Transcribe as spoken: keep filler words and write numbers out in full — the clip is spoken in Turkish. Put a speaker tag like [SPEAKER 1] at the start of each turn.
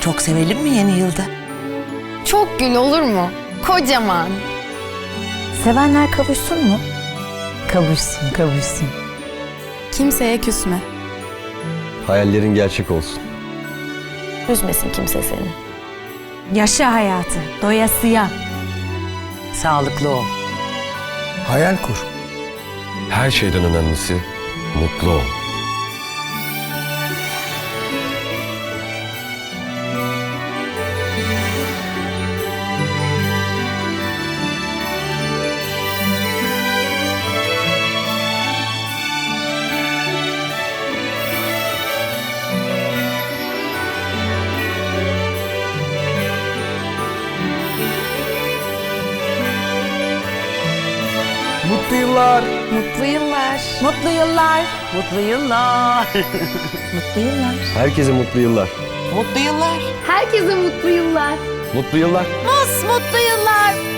[SPEAKER 1] Çok sevelim mi yeni yılda?
[SPEAKER 2] Çok gül olur mu? Kocaman.
[SPEAKER 3] Sevenler kavuşsun mu? Kavuşsun, kavuşsun.
[SPEAKER 2] Kimseye küsme.
[SPEAKER 4] Hayallerin gerçek olsun.
[SPEAKER 3] Üzmesin kimse seni. Yaşa hayatı, doyasıya.
[SPEAKER 1] Sağlıklı ol.
[SPEAKER 5] Hayal kur.
[SPEAKER 4] Her şeyden önemlisi mutlu ol.
[SPEAKER 5] Mutlu yıllar.
[SPEAKER 2] Mutlu yıllar.
[SPEAKER 3] Mutlu yıllar.
[SPEAKER 1] Mutlu yıllar.
[SPEAKER 3] Mutlu yıllar.
[SPEAKER 4] Herkese mutlu yıllar.
[SPEAKER 1] Mutlu yıllar.
[SPEAKER 2] Herkese mutlu yıllar.
[SPEAKER 4] Mutlu yıllar.
[SPEAKER 3] Mutlu yıllar.